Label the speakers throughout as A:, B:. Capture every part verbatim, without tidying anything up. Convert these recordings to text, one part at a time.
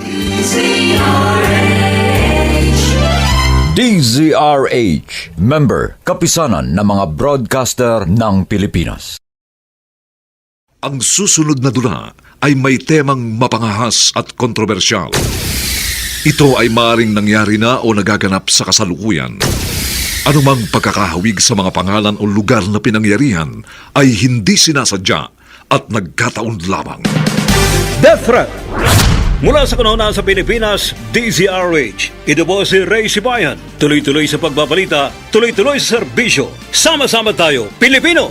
A: D Z R H, member, kapisanan ng mga broadcaster ng Pilipinas.
B: Ang susunod na dula ay may temang mapangahas at kontrobersyal. Ito ay maaaring nangyari na o nagaganap sa kasalukuyan. Anumang pagkakahawig sa mga pangalan o lugar na pinangyarihan ay hindi sinasadya at nagkataon lamang.
C: Death Threat! Mula sa kanuna sa Pilipinas, D Z R H. Ito po si Ray Sibayan. Tuloy-tuloy sa pagbabalita, tuloy-tuloy sa serbisyo. Sama-sama tayo, Pilipino!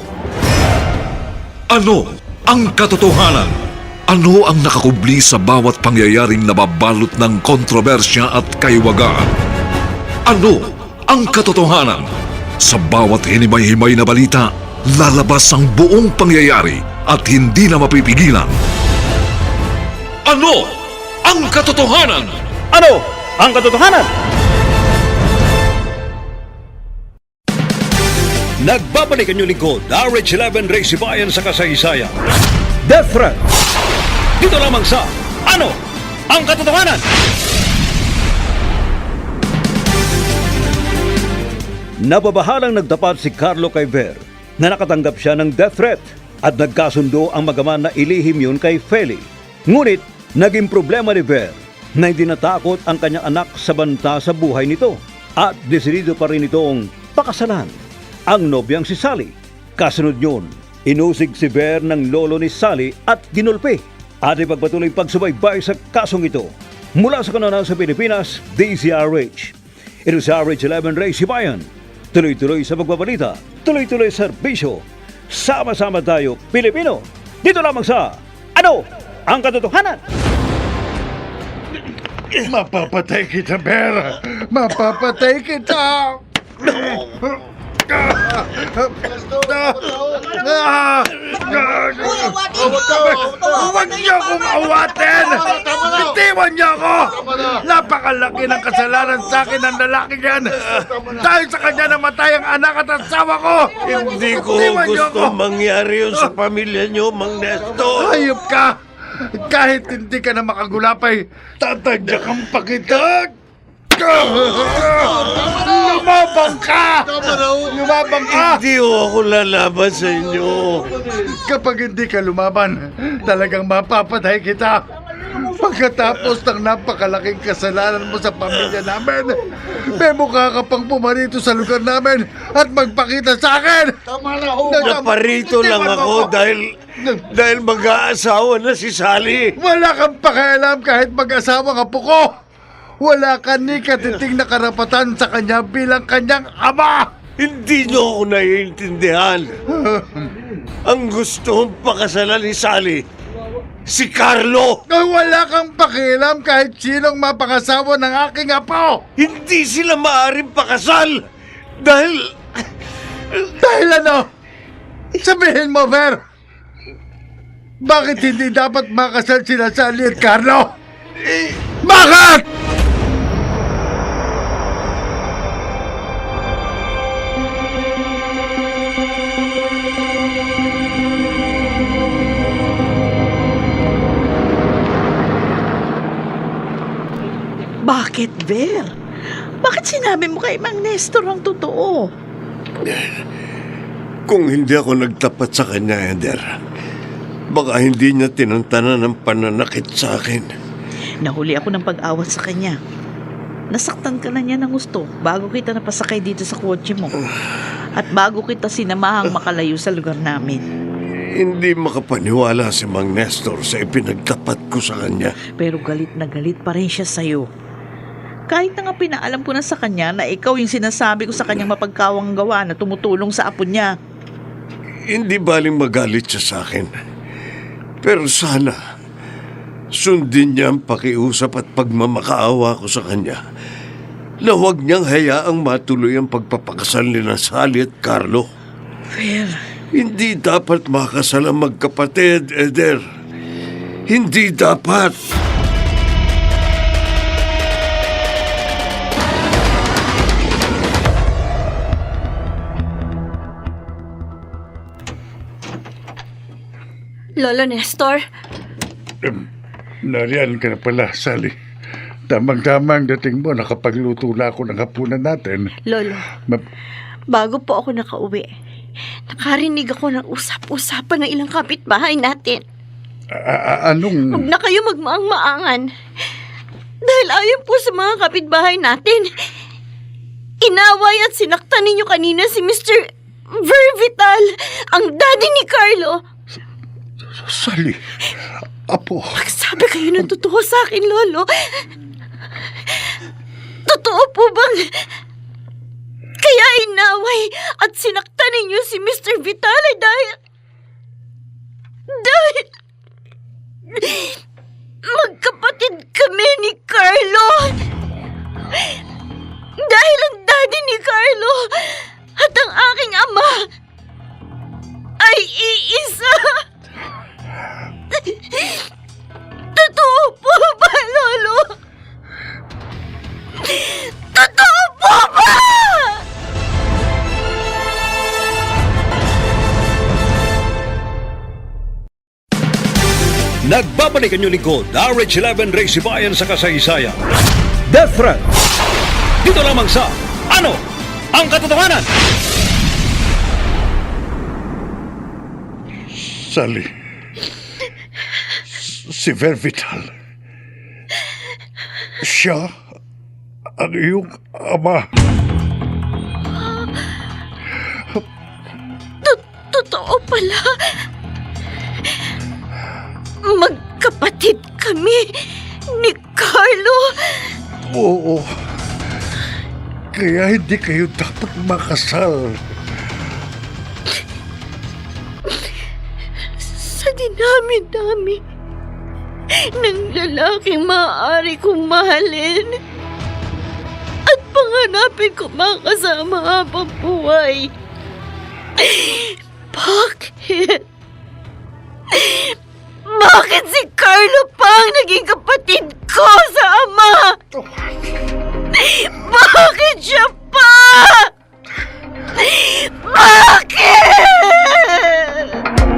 B: Ano ang katotohanan? Ano ang nakakubli sa bawat pangyayaring nababalot ng kontrobersya at kaiwagaan? Ano ang katotohanan? Sa bawat hinimay-himay na balita, lalabas ang buong pangyayari at hindi na mapipigilan. Ano ang katotohanan?
C: Ano ang katotohanan? Nagbabalik ang inyong lingkod, R H eleven Ray Sibayan sa kasaysayan. Death Threat! Dito lamang sa Ano ang katotohanan? Nababahalang nagdapat si Carlo kay Ver na nakatanggap siya ng death threat at nagkasundo ang magaman na ilihim yun kay Feli. Ngunit naging problema ni Ver na hindi natakot ang kanyang anak sa banta sa buhay nito at desidido pa rin itong pakasalan ang nobyang si Sally. Kasunod yun, inusig si Ver ng lolo ni Sally at ginulpi at ipagpatuloy pagsubaybay sa kasong ito. Mula sa kanana sa Pilipinas, D Z R H. Ito si R H eleven Ray Sibayan. Tuloy-tuloy sa pagbabalita, tuloy-tuloy sa serbisyo. Sama-sama tayo, Pilipino. Dito lamang sa Ano ang katotohanan?
D: Mapapatay kita, Bear! Mapapatay kita! Huwag niyo akong awatin! Bitiwan niyo ako! Napakalaki ng kasalanan sa akin ng lalaki yan! Dahil sa kanya namatay ang anak at asawa ko!
E: Hindi ko
D: Bitiwan niyo
E: gusto
D: ako!
E: mangyari yun sa pamilya niyo, Mang Nestor.
D: Hayop ka! Kahit hindi ka na makagulapay, tatadyakan pa kita! Lumabang ka! Lumabang ka!
E: Hindi ho ako lalaban sa inyo.
D: Kapag hindi ka lumaban, talagang mapapatay kita. Pagkatapos ng napakalaking kasalanan mo sa pamilya namin, may mukha ka pang pumarito sa lugar namin at magpakita sa akin! Tama na ho!
E: Naparito lang ako dahil dahil mag-aasawa na si Sally.
D: Wala kang pakialam kahit mag-asawa ka po ko! Wala ka ni katiting na karapatan sa kanya bilang kanyang ama!
E: Hindi niyo ako naiintindihan. Ang gusto kong pakasalan ni Sally, si Carlo.
D: Ay, wala kang pakialam kahit sinong mapangasawa ng aking apo!
E: Hindi sila maaaring pakasal dahil
D: Dahil ano? Sabihin mo, Ver! Bakit hindi dapat makasal sila Sally at Carlo? Bakit?
F: Bakit, Ver? Bakit sinabi mo kay Mang Nestor ang totoo?
E: kung hindi ako nagtapat sa kanya, Eder, baka hindi niya tinantanan ng pananakit sa akin.
F: Nahuli ako ng pag-awat sa kanya. Nasaktan ka na niya ng gusto bago kita napasakay dito sa kotse mo. At bago kita sinamahang makalayo sa lugar namin.
E: Hindi makapaniwala si Mang Nestor sa ipinagtapat ko sa kanya.
F: Pero galit na galit pa rin siya sa'yo. Kahit na nga pinaalam ko na sa kanya na ikaw yung sinasabi ko sa kanyang mapagkawang gawa na tumutulong sa apo niya.
E: Hindi baling magalit siya sa akin. Pero sana, sundin niya ang pakiusap at pagmamakaawa ko sa kanya na huwag niyang hayaang matuloy ang pagpapakasal ni Sally at Carlo.
F: Fer,
E: Hindi dapat makasal ang magkapatid, Eder. Hindi dapat.
G: Lolo Nestor,
D: Nariyan ka na pala, Sally. Tamang-tama ang dating mo, nakapagluto na ako ng hapunan natin.
G: Lolo,
D: Ma-
G: bago po ako nakauwi, nakarinig ako ng usap-usapan ng ilang kapitbahay natin.
D: a- a- anong...
G: Huwag na kayo magmaang-maangan. Dahil ayon po sa mga kapitbahay natin, inaway at sinaktan ninyo kanina si Mister Vervital, ang daddy ni Carlo.
D: Sally, apo,
G: Magsabi kayo ng totoo sa akin, Lolo. Totoo po bang kaya inaway at sinaktan ninyo si Mister Vitale dahil... Dahil... Magkapatid kami ni Carlo. Dahil ang daddy ni Carlo at ang aking ama ay iisa. Totoo po ba, Lolo? Totoo po ba?
C: Nagbabalik ang inyong lingkod, R H eleven Race Bayan sa kasaysayan. Death Threat. Dito lamang sa Ano ang Katotohanan?
D: Sally. Si Vervital. Siya ang iyong ama.
G: Totoo pala. Magkapatid kami ni Carlo.
D: Oo. Kaya hindi kayo dapat makasal.
G: Sa dinami-dami ng lalaking maaari kong mahalin at panganapin ko makasama habang buhay. Bakit? Bakit si Carlo pa ang naging kapatid ko sa ama? Bakit siya pa? Bakit?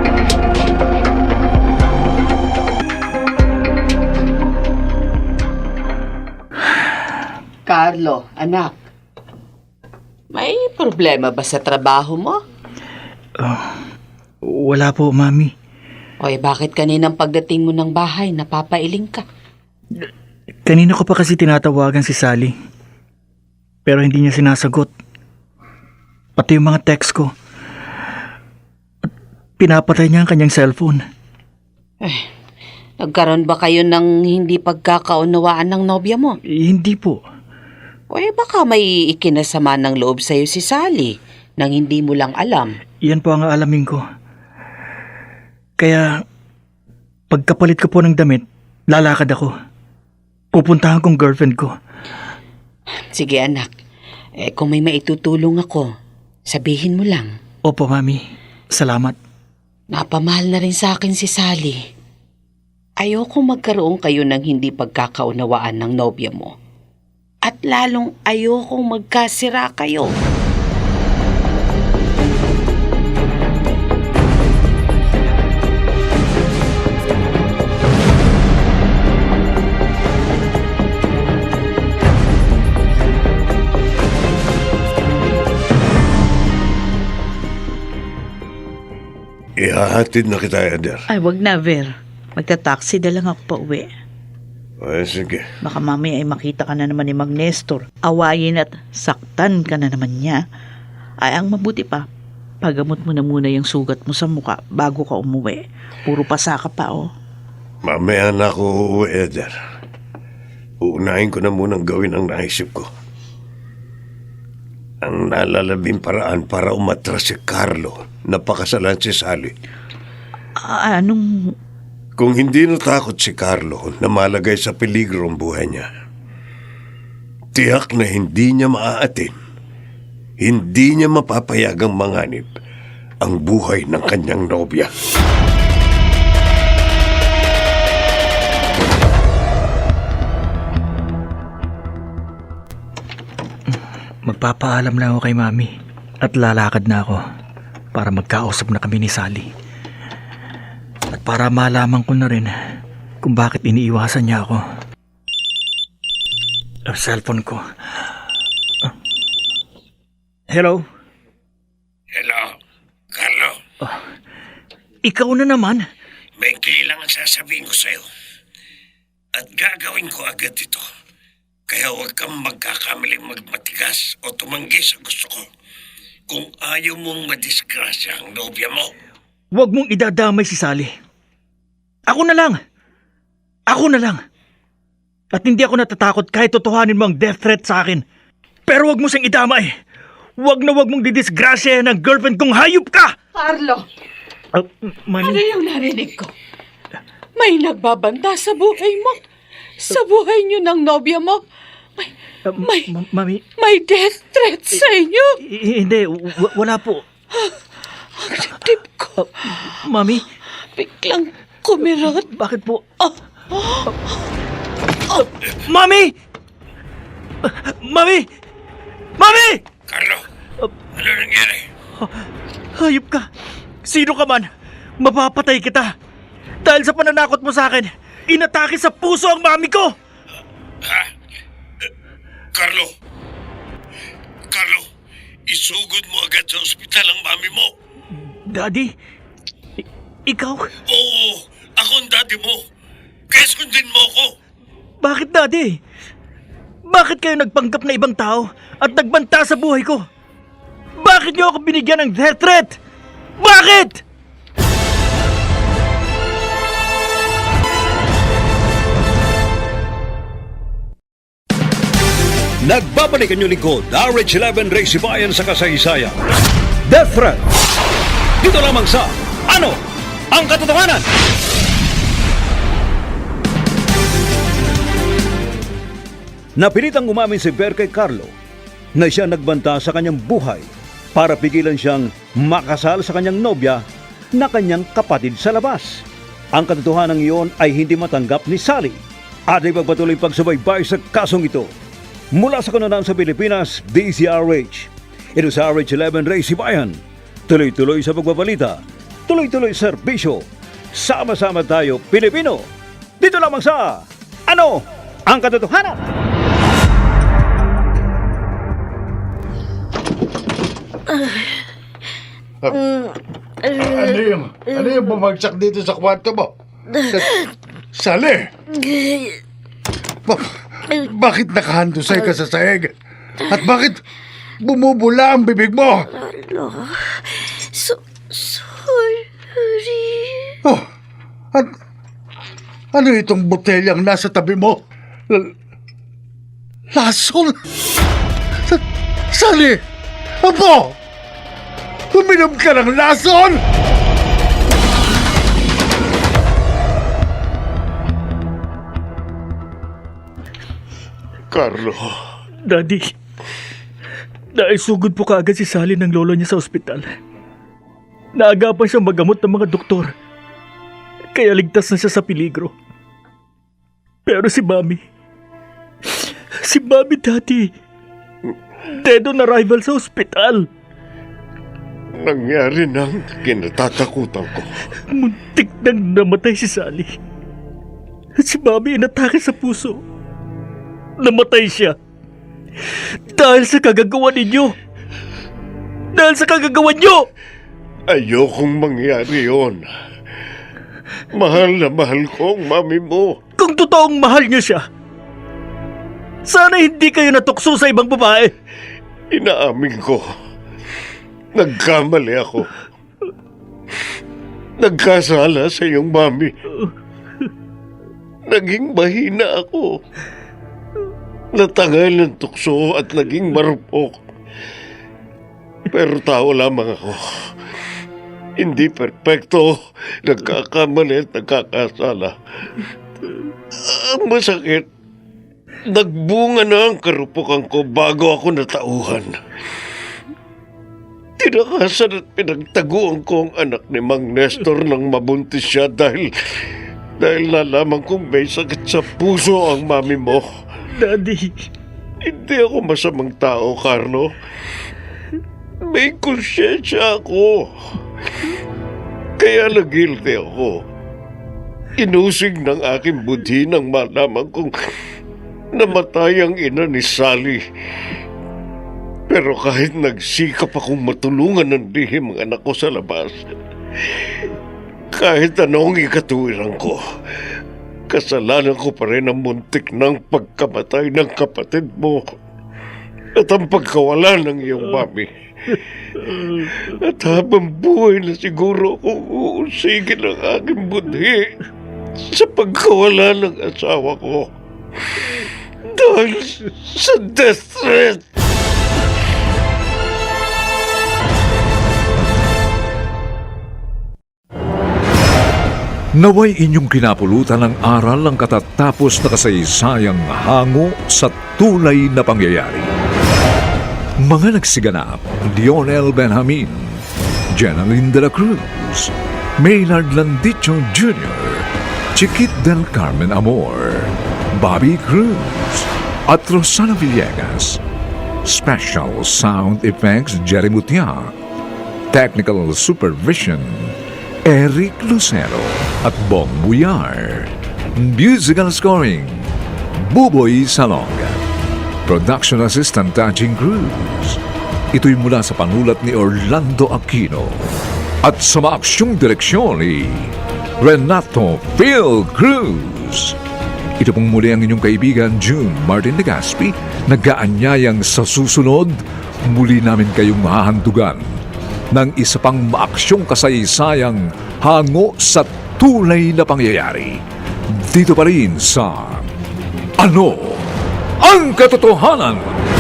H: Carlo, anak. May problema ba sa trabaho mo?
I: Wala po, Mami.
H: Oy, bakit kaninang pagdating mo ng bahay, napapailing ka?
I: Kanina ko pa kasi tinatawagan si Sally. Pero hindi niya sinasagot. Pati yung mga text ko. At pinapatay niya ang kanyang cellphone.
H: Eh, nagkaroon ba kayo ng hindi pagkakaunawaan ng nobya mo?
I: Eh, hindi po.
H: Oy, baka may ikinasama ng loob sa'yo si Sally nang hindi mo lang alam.
I: Yan po ang aalamin ko. Kaya, pagkapalit ko po ng damit, lalakad ako. Pupuntahan kong girlfriend ko.
H: Sige anak, eh, kung may maitutulong ako, sabihin mo lang.
I: Opo, Mami. Salamat.
H: Napamahal na rin sa akin si Sally. Ayoko magkaroon kayo ng hindi pagkakaunawaan ng nobya mo. At lalong ayokong magkasira kayo.
E: Ihahatid na kita, Eder.
F: Ay, wag na, Ver. Magta-taxi na lang ako pa uwi.
E: Ay, sige.
F: Baka mami ay makita ka na naman ni Mag Nestor. Awayin at saktan ka na naman niya. Ay, ang mabuti pa, pagamot mo na muna yung sugat mo sa muka bago ka umuwi. Puro pasa ka pa, oh.
E: Mamaya na ako uuwi, Eder. Uunahin ko na munang gawin ang naisip ko. Ang nalalabing paraan para umatras si Carlo na pakasalan si Sally.
F: Ah, anong...
E: Kung hindi natakot si Carlo na malagay sa peligro ang buhay niya, tiyak na hindi niya maaatin, hindi niya mapapayagang manganib ang buhay ng kanyang nobya.
I: Magpapaalam lang ako kay Mami at lalakad na ako para magkausap na kami ni Sally. At para malaman ko na rin kung bakit iniiwasan niya ako. Ang cellphone ko. Ah. Hello?
J: Hello, Carlo.
I: Ikaw na naman?
J: May kailangan sasabihin ko sa'yo. At gagawin ko agad ito. Kaya huwag kang magkakamaling magmatigas o tumanggi sa gusto ko. Kung ayaw mong madisgrasya ang nobya mo.
I: Huwag mong idadamay si Sally. Ako na lang. Ako na lang. At hindi ako natatakot kahit totohanin mo ang death threat sa akin. Pero huwag mo siyang idamay. Huwag na huwag mong didisgrasya ng girlfriend kong hayop ka!
H: Carlo,
I: Uh, Mami,
H: ano yung narinig ko? May nagbabanta sa buhay mo. Sa buhay niyo ng nobya mo. May,
I: uh,
H: may,
I: ma- Mami,
H: may death threat sa inyo.
I: i- hindi, w- wala po.
H: Ang dibdib ko.
I: Mami,
H: Biglang kumirot.
I: bakit po?
H: Oh,
I: Mami! Mami! Mami!
J: Carlo, ano nangyari?
I: Hayop ka! Sino ka man, mapapatay kita! Dahil sa pananakot mo sa akin, inatake sa puso ang mami ko!
J: Ha? Eh, Carlo! Carlo, isugod mo agad sa ospital ang mami mo.
I: Daddy, i- ikaw?
J: Oo, ako ang daddy mo. Kaya sundin mo ako.
I: Bakit, Daddy? Bakit kayo nagpanggap na ibang tao at nagbanta sa buhay ko? Bakit niyo ako binigyan ng death threat? Bakit?
C: Nagbabalik ang inyong lingkod, R H eleven Race Bayan sa kasaysayan. Death Threat. Dito lamang sa Ano ang Katotohanan? Napilitang umamin si Ver kay Carlo na siya nagbanta sa kanyang buhay para pigilan siyang makasal sa kanyang nobya na kanyang kapatid sa labas. Ang katotohanan iyon ay hindi matanggap ni Sally at ay pagpatuloy pagsubaybay sa kasong ito. Mula sa kanunaan sa Pilipinas, D Z R H. Ito sa R H eleven Race Bayan. Tuloy-tuloy sa pagbabalita, tuloy-tuloy serbisyo. Sama-sama tayo, Pilipino. Dito lamang sa Ano ang Katotohanan?
D: Ano yung, ano yung bumagsak dito sa kwarto mo? Sali! Ba- bakit nakahandusay ka sa sahig? At bakit bumubula ang bibig mo?
G: So, sorry.
D: Oh, at, ano itong botelyang nasa tabi mo? L- Lasol? Sa- Sali! Apo! Uminom ka ng lason!
E: Carlo,
I: Daddy, naisugod po kaagad si Sally ng lolo niya sa ospital. Naagapan siyang magamot ng mga doktor. Kaya ligtas na siya sa peligro. Pero si Mami, si Mami, Daddy, dead on arrival sa ospital.
E: nangyari ng kinatatakutan ko.
I: Muntik nang namatay si Sally. Si Mami inatake sa puso. Namatay siya. Dahil sa kagagawa ninyo. Dahil sa kagagawa nyo!
E: Ayokong mangyari yon. Mahal na mahal ko ang mami mo.
I: Kung totoong mahal niyo siya, sana hindi kayo natukso sa ibang babae.
E: Inaamin ko. Nagkamali ako. Nagkasala sa iyong mami. Naging mahina ako. Natangal ng tukso at naging marupok. Pero tao lamang ako. Hindi perpekto. Nagkakamali at nagkakasala. Ang masakit, nagbunga na ang karupukan ko bago ako natauhan. Tinakasan at pinagtaguan ko ang anak ni Mang Nestor nang mabuntis siya dahil dahil nalaman kong may sakit sa puso ang mami mo.
I: Daddy,
E: Hindi ako masamang tao, Carlo. May konsyensya ako. Kaya na guilty ako. Inusig ng aking budhi nang malaman kong namatay ang ina ni Sally. Pero kahit nagsikap akong matulungan ng lihim ang anak ko sa labas, kahit anong ikatuwiran ko, kasalanan ko pa rin ang muntik ng pagkamatay ng kapatid mo at ang pagkawala ng iyong mami. At habang buhay na siguro akong uusigin ang aking budhi sa pagkawala ng asawa ko dahil sa death threat.
B: Naway inyong kinapulutan ng aral ang katatapos na kasaysayang hango sa tunay na pangyayari. Mga nagsiganap, Lionel Benjamin, Jenaline de la Cruz, Maynard Landicho Junior, Chiquit del Carmen Amor, Bobby Cruz, at Rosana Villegas. Special Sound Effects Jerry Mutia, Technical Supervision Eric Lucero at Bong Buyar. Musical Scoring Buboy Salonga. Production Assistant Tajing Cruz. Ito'y mula sa panulat ni Orlando Aquino at sa maaksyong direksyon ni Renato Phil Cruz. Ito pong muli ang inyong kaibigan June Martin de Gaspi, nag-aanyayang sa susunod muli namin kayong mahahandugan ng isa pang maaksyong kasaysayang hango sa tunay na pangyayari. Dito pa rin sa Ano ang Katotohanan?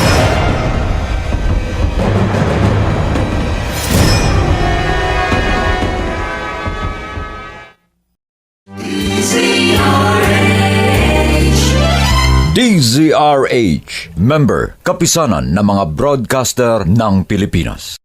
A: D Z R H, member, kapisanan ng mga broadcaster ng Pilipinas.